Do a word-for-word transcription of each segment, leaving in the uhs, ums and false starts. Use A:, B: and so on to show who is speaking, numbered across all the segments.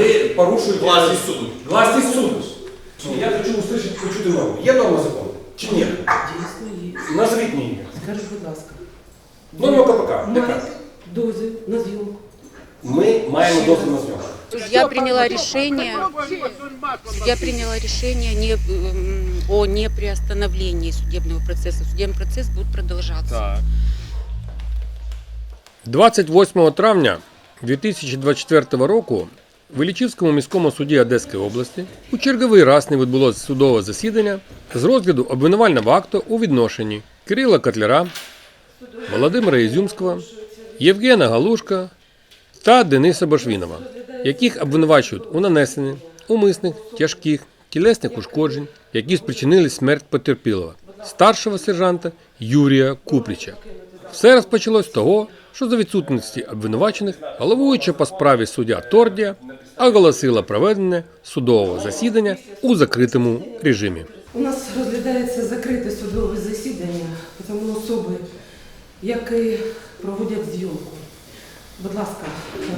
A: Ви порушуєте
B: власність суду.
A: Власність суду. Я хочу услышать, почути норму. Є норма закону? Чи ні?
C: Дійсно є.
A: Назвіть мені.
C: Скажіть, будь ласка.
A: Норма КПК.
C: Маєте дозвіл на зйомку?
A: Ми маємо дозвіл на зйомку.
D: Судья приняла решение, судья приняла решение не, м, о неприостановлении судебного процесса. Судебный процесс будет продолжаться.
B: Так.
E: двадцять восьмого травня дві тисячі двадцять четвертого року в Іллічівському міському суді Одеської області у черговий раз не відбулося судове засідання з розгляду обвинувального акту у відношенні Кирила Котляра, Володимира Ізюмського, Євгена Галушка та Дениса Башвінова, яких обвинувачують у нанесенні умисних тяжких тілесних ушкоджень, які спричинили смерть потерпілого, старшого сержанта Юрія Купріча. Все розпочалось з того, що за відсутності обвинувачених головуюча по справі суддя Тордія оголосила проведення судового засідання у закритому режимі.
C: У нас розглядається закрите судове засідання, тому особи, які проводять зйомку. Будь ласка,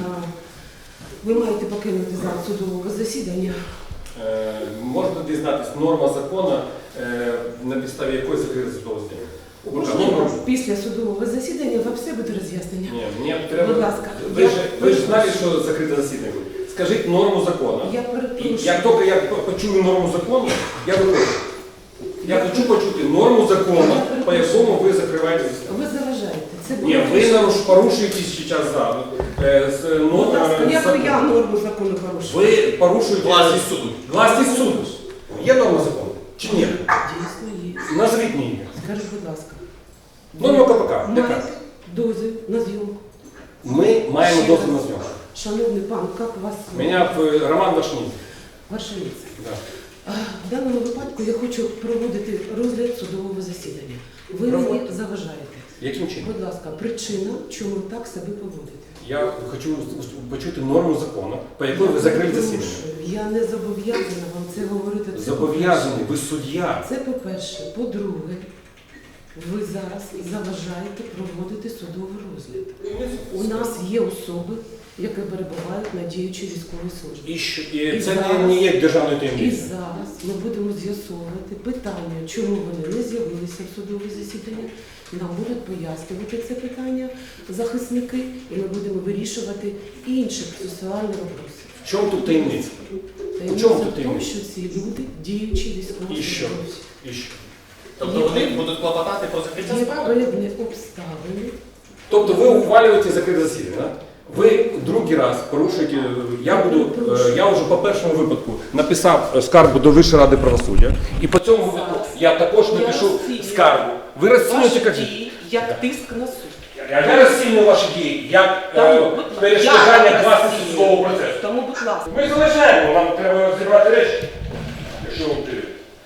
C: ви маєте покинути зал судового засідання.
A: Е, можна дізнатися норма закону, е, на підставі якої закрите судове засідання?
C: Можливо, після судового засідання вам все буде роз'яснення.
A: Ні, мені треба...
C: Будь ласка.
A: Ви ж, ви ж знаєте, що закрите засідання буде. Скажіть норму закону.
C: Я
A: І
C: перепрошую.
A: як тільки я почую норму закону, я виходжу. Я хочу почути норму закону, по якому ви закриваєте засідання.
C: Ви заважаєте. Це
A: Ні, ви наруш, порушуєте зараз зараз. Е, з, ну,
C: Будь ласка,
A: е,
C: як
A: закон.
C: я норму закону порушую?
A: Ви порушуєте
B: Власність суду.
A: Власність суду. Є норма закону? Чи ні?
C: Дійсно є.
A: Назвіть мені.
C: Скажіть, будь ласка.
A: Норма КПК. Яка?
C: Маєте дозвіл на зйомку?
A: Ми маємо дозвіл на зйомку.
C: Шановний пан, як вас?
A: Мене е, Роман Вашній.
C: Ваша місце.
A: Да.
C: В даному випадку я хочу проводити розгляд судового засідання. Ви мені
A: Проводьте.
C: заважаєте.
A: Яким чином?
C: Будь ласка, причина, чому ви так себе поводите?
A: Я хочу почути норму закону, по якій ви закрили засідання.
C: Прошу, я не зобов'язана вам це говорити. Це
A: Зобов'язані, ви суддя.
C: Це по-перше. По-друге, ви зараз заважаєте проводити судовий розгляд. У нас є особи, які перебувають на діючій військовій службі.
A: І, що, і,
C: І
A: це
C: зараз-
A: не, не є державною
C: І
A: таємницею.
C: зараз ми будемо з'ясовувати питання, чому вони не з'явилися в судове засідання. Нам будуть пояснювати це питання захисники, і ми будемо вирішувати інші процесуальні вопроси.
A: В чому тут таємниця?
C: Таємниця
A: чому тут
C: в тому,
A: таємниця?
C: що ці люди діючі
A: І
C: військові
A: що?
C: службовці.
A: І що?
B: Тобто вони будуть клопотати про закриття
C: Є
B: справи?
C: певні обставини.
A: Тобто ви ухвалюєте закрите засідання, так? Ви другий раз порушуєте, я буду, е, я вже по першому випадку написав е, скаргу до Вищої ради правосуддя, і по цьому випадку я також напишу скаргу. Ви розцінюєте як?
C: Дії, як тиск на суд.
A: Я, я розцінюю ваші дії як
C: Тому,
A: е,
C: будь ласка,
A: перешкоджання
C: я
A: власності
C: розцінюю.
A: судового процесу.
C: Тому, будь ласка.
A: Ми залишаємо, нам треба зібрати речі, якщо ви втілюєте.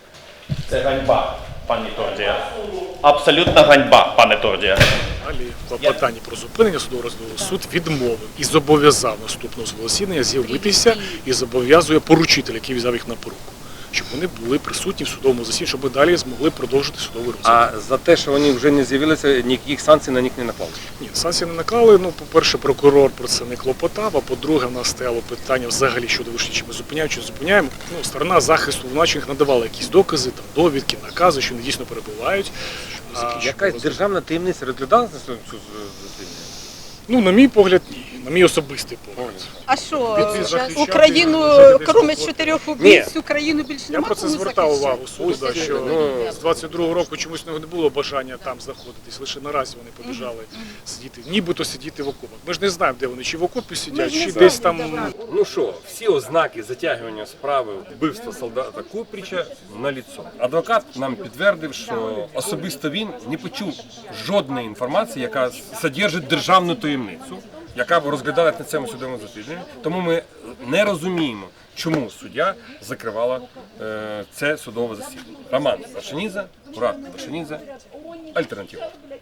B: Це ганьба, пані Тордія. Абсолютна ганьба, пане Тордія.
F: Далі клопотання про зупинення судового розгляду суд відмовив і зобов'язав наступного судового засідання з'явитися і зобов'язує поручителя, який взяв їх на поруку, щоб вони були присутні в судовому засіданні, щоб ми далі змогли продовжити судовий розгляд.
E: А за те, що вони вже не з'явилися, ніяких санкцій на них не наклали?
F: Ні, санкції не наклали. Ну, по-перше, прокурор про це не клопотав, а по-друге, в нас стояло питання взагалі щодо вишні, чи ми зупиняємо, чи не зупиняємо. Ну, сторона захисту обвинувачених надавала якісь докази, там, довідки, накази, що вони дійсно перебувають. А,
E: Якась державна таємниця розглядалася на цю засідання?
F: Ну, на мій погляд, ні. На мій особистий погляд.
G: А що,
F: Від захищати
G: Україну,
F: жителів
G: крім
F: Свободи.
G: чотирьох убивць, Україну більше
F: Я
G: нема
F: про це
G: кому
F: звертав
G: захищати?
F: увагу суду, да, що
E: Ну,
F: з двадцять другого року чомусь не було бажання там знаходитись, лише наразі вони побіжали сидіти, нібито сидіти в окопах. Ми ж не знаємо, де вони, чи в окопі сидять,
G: ж не
F: чи
G: знаємо,
F: десь там.
G: де вони.
E: Ну що, всі ознаки затягування справи вбивства солдата Купріча наліцо. Адвокат нам підтвердив, що особисто він не почув жодної інформації, яка содержить державну таємницю, яка б розглядалась на цьому судовому засіданні. Тому ми не розуміємо, чому суддя закривала е, це судове засідання. Роман Вашанідзе, Мурат Вашанідзе, Альтернатива.